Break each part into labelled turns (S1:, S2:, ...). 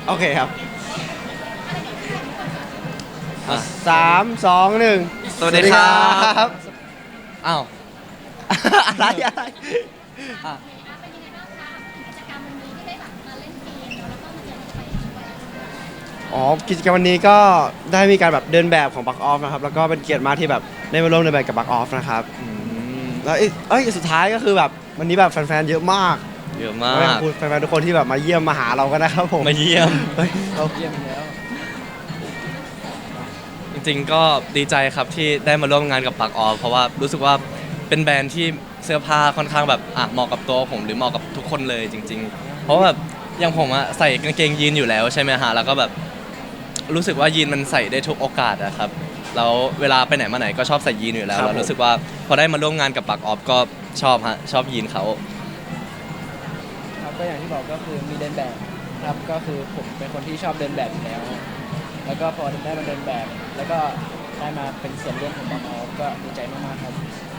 S1: โอเคครับ
S2: อ่ะ
S1: 3 2 1
S2: สวัสดีครับ
S1: บ
S2: อ้าว
S1: อะไรอะไร
S2: อ่ะ
S3: เป็นยังไงบ้างคะกิจกรรมวันนี้ที่ได้แบบมาเล่นเกมแล้วก็มาเจอน้องไปด้วย
S1: อ๋อกิจกรรมวันนี้ก็ได้มีการแบบเดินแบบของบักออฟนะครับแล้วก็เป็นเกียรติมากที่แบบได้มาร่วมเดินแบบกับบักออฟนะครับแล้วสุดท้ายก็คือแบบวันนี้แบบแฟนๆเยอะมาก
S2: เยอะมา
S1: ขอบ
S2: ก
S1: คุณแฟนๆทุกคนที่แบบมาเยี่ยมมาหาเรากันนะครับผม
S2: มาเยี่ยม
S1: เฮ้ยเรา
S4: เยี่ยมแล้ว
S2: จริงๆก็ดีใจครับที่ได้มาร่วมงานกับปักออฟเพราะว่ารู้สึกว่าเป็นแบรนด์ที่เสื้อผ้าค่อนข้างแบบเหมาะกับตัวผมหรือเหมาะกับทุกคนเลยจริง ๆ เพราะว่าแบบอย่างผมอะใส่กางเกงยีนอยู่แล้วใช่ไหมฮะแล้วก็แบบรู้สึกว่ายีนมันใส่ได้ทุกโอกาสอะครับแล้วเวลาไปไหนมาไหนก็ชอบใส่ยีนอยู่แล้วแล้วรู้สึกว่าพอได้มาร่วมงานกับปักออฟก็ชอบฮะชอบยีนเขา
S4: ครับก็อย่างที่บอกก็คือมีเดินแบบครับก็คือผมเป็นคนที่ชอบเดินแบบอยู่แล้ว แล้วก็พอได้มาเดินแบบ แล้วก็ได้มาเป็นส่วนร่วมของบางออฟก็ดีใจมากๆครับ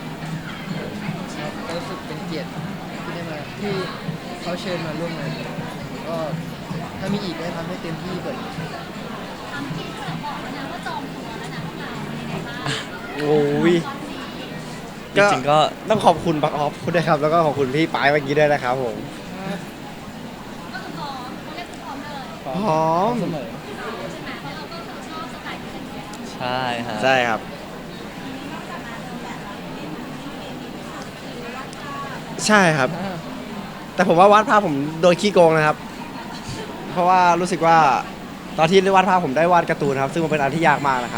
S4: ก็รู้สึกเป็นเกียรติที่ได้มาที่เขาเชิญมาร่วมงานก็ถ้ามีอีกก็ทำให้เต็มที่กว่านี้
S3: ทำที่เสือบอกแล้วนะว่าจองตัวแล้วนะพวกเราเป็นยังไงบ้าง
S1: โอ้ย
S2: จริงๆก็
S1: ต้องขอบคุณบักออฟคุณด้วยครับแล้วก็ขอบคุณพี่ปายเมื่อกี้ด้วยนะครับผม
S3: ก็คือพร้อมเรียกคือพร้อมเลย
S4: พร้อ
S1: พร้อม
S4: เสมอ
S3: ใช่ไหมเพราะเราก็คือชอบสไตล์นี้กันอยู่แล้ว
S2: ใช่ฮะ
S1: ใช่ครับ ใช่ครับ แต่ผมว่าวาดภาพผมโดยขี้โกงนะครับ เพราะว่ารู้สึกว่าตอนที่วาดภาพผมได้วาดการ์ตูนครับ ซึ่งมันเป็นอันที่ยากมากนะครับ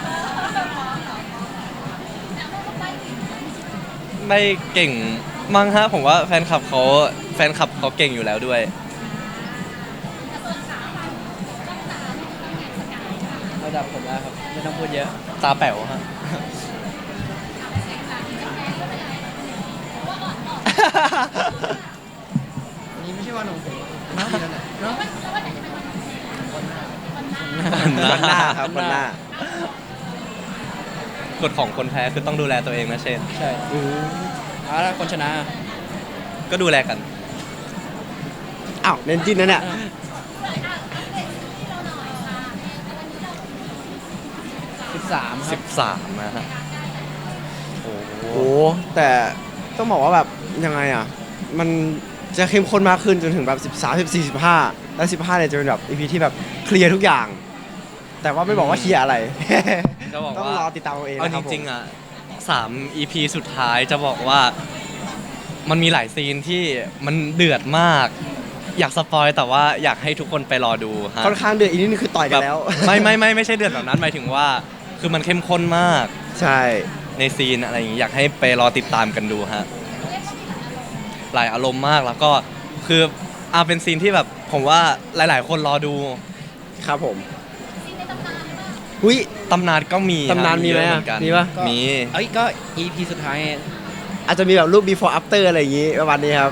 S2: ไม่เก่งมั้งฮะผมว่าแฟนคลับเขาเก่งอยู่แล้วด้วย
S4: ระดับผมแล้วครับไม่ต้องพูดเยอะ
S2: ตาแป๋วฮะ
S4: อันนี้ไม่ใช่วันของผมน้องนั่นแหละเนาะ
S1: วันหน้าครับวันหน้า
S2: กฎของคนแพ้คือต้องดูแลตัวเองนะเชน
S4: ใช่เอาละคนชนะ
S2: ก็ดูแลกัน
S1: อ้าวเน้นจิ้นนะเนี่ย
S4: 13 ครับ
S2: 13นะฮะโอ้โห
S1: โอ้แต่ต้องบอกว่าแบบยังไงอ่ะ มันจะเข้มข้นมากขึ้นจนถึงแบบ13 14 15แล้ว15เนี่ยจะเป็นแบบ EP ที่แบบเคลียร์ทุกอย่าง แต่ว่าไม่บอกว่าเคลียร์อะไร
S2: จะบอก
S1: ต้อง
S2: ว่าร
S1: อติดตามเอาเอง
S2: เอา
S1: นะค
S2: จ
S1: รับผม
S2: ริงๆอ่ะ3 EP สุดท้ายจะบอกว่ามันมีหลายซีนที่มันเดือดมาก อยากสปอยแต่ว่าอยากให้ทุกคนไปรอดูฮะ
S1: ค่อนข้างเดือดอีกนิดนึงคือต่อยกันแล้ว
S2: ไม่ใช่เดือดแบบนั้นหมายถึงว่าคือมันเข้มข้นมาก
S1: ใช่
S2: ในซีนอะไรอย่างงี้อยากให้ไปรอติดตามกันดูฮะหลายอารมณ์มากแล้วก็คือเป็นซีนที่แบบผมว่าหลาย ๆ คนรอดู
S1: ครับผม
S3: ซีนในตำนานหรือเปล่า
S1: อุ้ย
S2: ตำนานก็มี
S1: ตำนานมีไหม
S2: เยอะ
S1: อะ
S2: เหมือนกัน
S1: มีปะ
S2: มี
S4: เอ้ยก็ EP สุดท้าย
S1: อาจจะมีแบบรูป before after อะไรอย่างงี้ประมาณนี้ครับ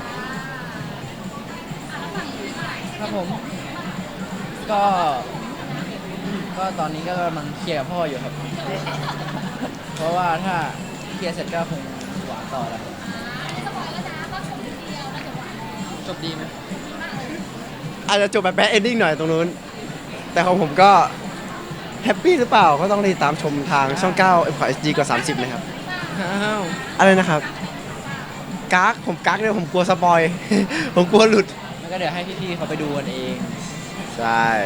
S4: ครับผม ก็ตอนนี้ก็กำลังเคลียร์กับพ่ออยู่ครับ เพราะว่าถ้าเคลียร์เสร็จก็คงหวานต่อแล้วครับ
S3: สปอยแล้วนะก็ชมทีเดียวแล้วเดี๋ยวหวาน
S4: จบดีไหม
S1: อาจจะจบแบบแบดเอนดิ้งหน่อยตรงนู้น แต่ของผมก็แฮปปี้หรือเปล่าก็ต้องติดตามชมทางช่อง 9 m อ HD กว่า 30 นะครับ
S4: อ้าว
S1: อะไรนะครับผมกักเนี่ยผมกลัวสปอย ผมกลัวหลุด
S4: แล้วก็เดี๋ยวให้พี่ๆเขาไปดูกันเอง
S1: ใช่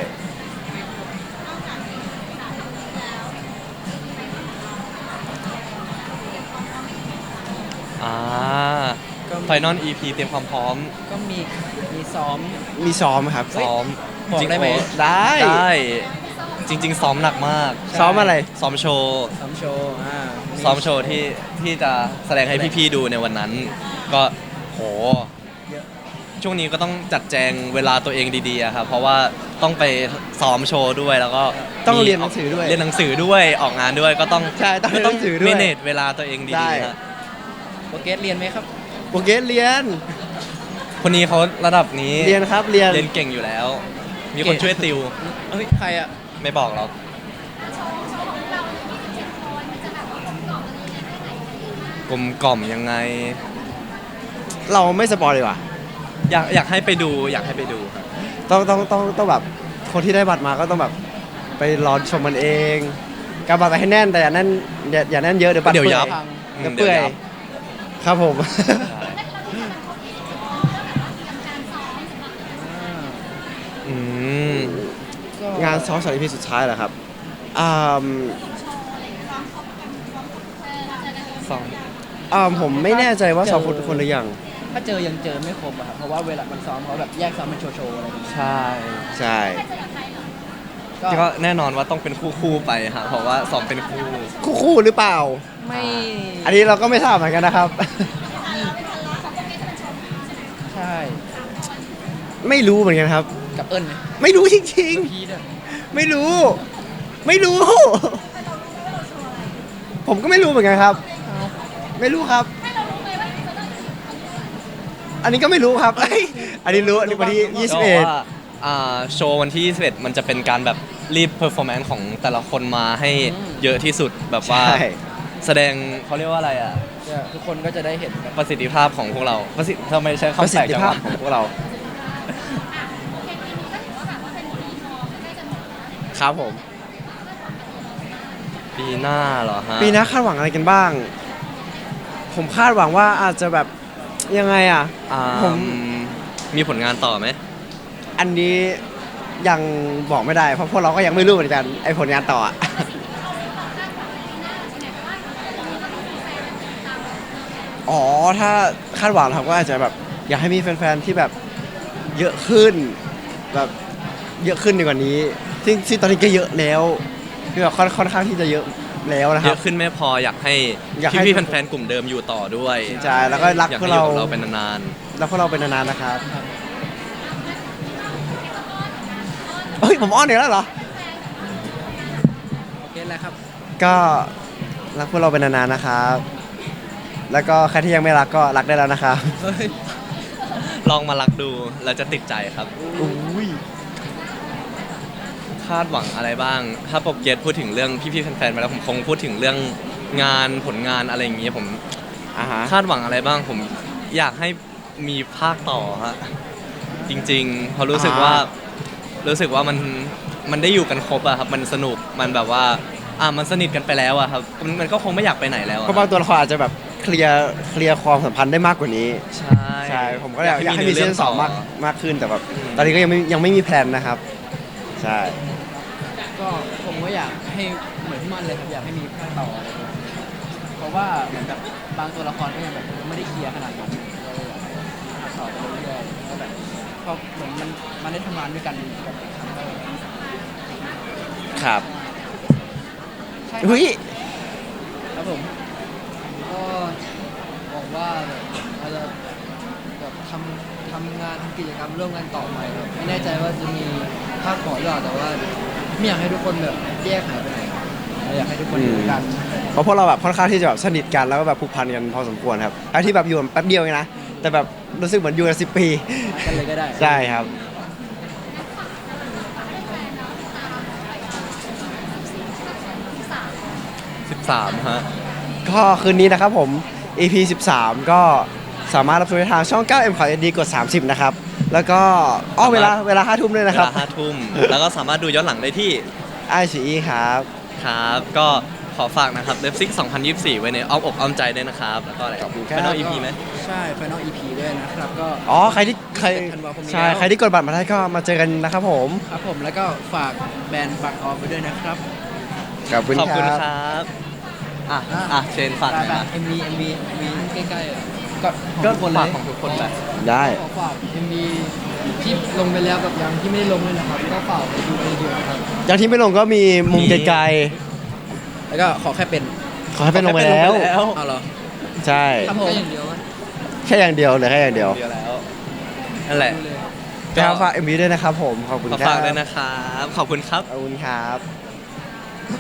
S4: ก็
S2: ไฟนอล EP เตรียมความพร้อม
S4: ก็มีซ้อม
S1: มีซ้อมครับ
S4: เฮ้ย
S2: ซ้อม
S4: บอกได้ไหม
S1: ได้
S2: ได้จริง ๆ ซ้อมหนักมาก
S1: ซ้อมอะไร
S2: ซ้อมโชว์
S4: ซ้อมโชว์มี
S2: ซ้อมโชว์ที่จะแสดงให้พี่ๆดูในวันนั้น ก็โห
S4: เยอะ
S2: ช่วงนี้ก็ต้องจัดแจงเวลาตัวเองดีๆอะครับเพราะว่าต้องไปซ้อมโชว์ด้วยแล้วก็
S1: ต้อง
S2: มี
S1: เรียนหนังสือด้วย
S2: เรียนหนังสือด้วยออกงานด้วยก็ต้อง
S1: ใช่ต้องเรียนหนังสือด้วย
S2: เมเนจเวลาตัวเอง
S1: ใช่
S2: ดีๆฮะ
S4: โปรเกรสเรียนไหมครับ
S1: โปรเกรสเรียน
S2: คนนี้เขาระดับนี้
S1: เรียนครับเรียน
S2: เรียนเก่งอยู่แล้ว มีคนช่วยติว
S4: เฮ้ย ใครอ่ะ
S2: ไม่บอกหรอก
S3: โชว์ของเรา27 คนมันจะแบบว่ากลมกล่อมอะไรยังไงได้ไหนกันดีมาก
S2: กลมกล่อมยังไง
S1: เราไม่สปอยเลยว่ะ
S2: อยากให้ไปดูอยากให้ไปดูครับ
S1: ต้องแบบคนที่ได้บัตรมาก็ต้องแบบไปรอชมมันเองกำบัตรไปให้แน่นแต่อย่าแน่นอย่าแน่นเยอะเดี๋ยวบัตร
S2: เดี๋ยวยับ
S1: เดี๋ยวเปื่อย
S2: เดี๋ยวยับ
S1: ครับผม
S2: อืม
S4: ก็
S1: งานซ้อมสารพีสุดท้ายเหรอครับอ่า
S2: สอง
S1: ผมไม่แน่ใจว่าซ้อมครบทุกคนหรือยัง
S4: ถ้าเจอยังเจอไม่ครบอะครับเพราะว่าเวลามันซ้อมเขาแบบแยกซ้อมเป็นโชว์ๆอะไรอย่างเงี้ย
S2: ใช่
S1: ใช่
S2: ก็แน่นอนว่าต้องเป็นคู่ๆไปฮะเพราะว่าซ้อมเป็นคู่
S1: คู่หรือเปล่า
S4: ไม่
S1: อันนี้เราก็ไม่ทราบเหมือนกันนะครับ
S4: ใช่
S1: ไม่รู้เหมือนกันครับ
S4: กับเอิญไหม
S1: ไม่รู้จริง
S4: พีด้วย
S1: ๆ ไม่รู้ ไม่รู้ ผมก็ไม่รู้เหมือนกันครับ ไม่รู้ครับ อันนี้ก็ไม่รู้ครับเอ้ยอันนี้รู้อันนี้วันที่
S2: ก็ว่าโชว์วันที่ 21 มันจะเป็นการแบบรีบเพอร์ฟอร์แมนซ์ของแต่ละคนมาให้เยอะที่สุดแบบ
S1: 21
S2: ว่า
S1: ใช่
S2: แสดงเขาเรียกว่าอะไรอ่ะ
S4: ทุกคนก็จะได้เห็นกัน
S2: ประสิทธิภาพของพวกเราทำไมใช้
S1: ประ
S2: คำ
S1: สิ
S2: แปล
S1: ท
S2: ก
S1: ธิ
S2: จัง
S1: ภาพ
S2: วะ
S1: ของพวกเรา ครับผม
S2: ปีหน้าเหรอฮะ
S1: ปีหน้าคาดหวังอะไรกันบ้าง ผมคาดหวังว่าอาจจะแบบยังไงอ่ะ ผม
S2: มีผลงานต่อไหม
S1: อันนี้ยังบอกไม่ได้ เพราะพวกเราก็ยังไม่รู้เหมือนกันไอ้ผลงานต่ออะ อ๋อ ถ้าคาดหวังนะครับก็อาจจะแบบอยากให้มีแฟนๆที่แบบเยอะขึ้นแบบเยอะขึ้นดีกว่านี้ซึ่งตอนนี้ก็เยอะแล้วคือแบบค่อนข้างที่จะเยอะแล้วนะค
S2: เย
S1: รับ
S2: อะขึ้นไม่พออยากให้
S1: อยากให้
S2: พี่ๆแฟนๆกลุ่มเดิมอยู่ต่อด้วย
S1: ใช่แล้วก็รัก
S2: อยาก
S1: พว
S2: ให้
S1: ก
S2: อยู่
S1: เรา
S2: กับเราเป็นนาน
S1: รักพวกเราเป็นนานๆนะครับเฮ้ยผมอ้อนอีกแล้วเหรอ
S4: โอเคแล้วครับ
S1: ก็รักพวกเราเป็นนานๆนะครับ แล้วก็ใครที่ยังไม่รักก็รักได้แล้วนะครับ
S4: เฮ้ย
S2: ๆลองมารักดูแล้วจะติดใจครับ
S1: อุ้ย
S2: คาดหวังอะไรบ้าง ถ้าโปรเกรสพูดถึงเรื่องพี่ๆแฟนๆไปแล้วผมคงพูดถึงเรื่องงานผลงานอะไรอย่างเงี้ยผม
S1: อ่าฮะ
S2: คาดหวังอะไรบ้างผมอยากให้มีภาคต่อฮะจริงๆเพราะรู้สึกว่ามันได้อยู่กันครบอะครับมันสนุกมันแบบว่ามันสนิทกันไปแล้วอะครับมันก็คงไม่อยากไปไหนแล้วอะ
S1: ก็บางตัวละครอาจจะแบบเคลียร์ความสัมพันธ์ได้มากกว่านี้
S2: ใช่
S1: ใช่ ผมก็อยากให้มีซีซั่นสองมากขึ้นแต่แบบตอนนี้ก็ยังไม่มีแพลนนะครับ ใช่
S4: ก็ผมก็อยากให้เหมือนที่มันเลยครับอยากให้มีภาคต่ออะไรอย่างเงี้ยเพราะว่าเหมือนแบบบางตัวละครก็ยังแบบไม่ได้เคลียร์ขนาดนั้นก็เลยอยากให้ภาคต่อไปเรื่อยๆก็แบบพอเหมือนมันได้ทำงานด้วยกันกับอีกครั้งก็
S1: ครับ
S4: ใช่
S1: เฮ้ย
S4: ครับผมก็หวังว่าเราจะแบบทำงานทำกิจกรรมร่วมกันต่อไปครับไม่แน่ใจว่าจะมีภาคต่อหรือเปล่าแต่ว่าไม่อยากให้ทุกคนแบบแยกหายไปไหนครับอยากให้ทุกคนอยู่ด้วยกัน
S1: เพราะพวกเราแบบค่อนข้างที่จะแบบสนิทกันแล้วก็แบบผูกพันกันพอสมควรครับไอ้ที่แบบอยู่กันแป๊บเดียวเองนะแต่แบบรู้สึกเหมือนอยู่กัน10 ปี
S4: กันเลยก็ได้
S1: ใช่ครับ
S2: 13ฮะ
S1: ก็คืนนี้นะครับผม EP 13 ก็สามารถรับชมได้ทางช่อง 9M ข่าว SD กด 30 นะครับ แล้วก็เวลา 5 ทุ่มด้วยนะครับ
S2: เวลา5 ทุ่มแล้วก็สามารถดูย้อนหลังได้ที่
S1: ICE ครับ
S2: ครับก็ขอฝากนะครับเลิฟซิก2024 ไว้ในอ้อมอกอ้อมใจด้วยนะครับแล้วก็อะไร
S1: ขอบคุณครับ
S2: Final EP ไหม
S4: ใช่ Final EP ด้วยนะครับก็
S1: อ๋อใครที่
S4: ธันวาคมนี้
S1: ใช่
S4: แล้ว
S1: ใครที่กดบัตรมาได้ก็มาเจอกันนะครับผม
S4: ครับผมแล้วก็ฝากแบรนด์บักออฟไปด้วยนะครับ
S1: ขอบคุณ
S2: ขอบ
S1: ค
S2: คุณ
S1: รับ
S2: ครับเชนฝากหน่อยนะ
S4: MV ใกล้ๆอ่ะก็ของ
S2: ก็
S4: ทุกคนเล
S2: ฝาก
S4: ย
S2: ของทุกคนไป
S1: ได้
S4: ขอฝาก MV ที่ลงไปแล้วกับยังที่ไม่ได้ลงเลยนะครับก็ฝากไปดูกันเยอะๆนะครับ
S1: อย่างที่ไม่ลงก็มีมุมไกล
S4: แล้วก็ขอแค่เป็น
S1: ๆขอให้เป็นลงไปแล้ว
S4: เอาเหรอ
S1: ใช่
S4: ครับผมอย่างเดียว
S1: แค่อย่างเดียวเลยแค่อย่างเดียว
S2: เดียวแล้วนั่นแหละ
S1: ก็ฝาก MV ด้วยนะครับผม ขอบคุณ
S2: ขอ
S1: ครับ
S2: ฝากด้วยนะครับ ขอบคุณครับ
S1: ขอบคุณครับ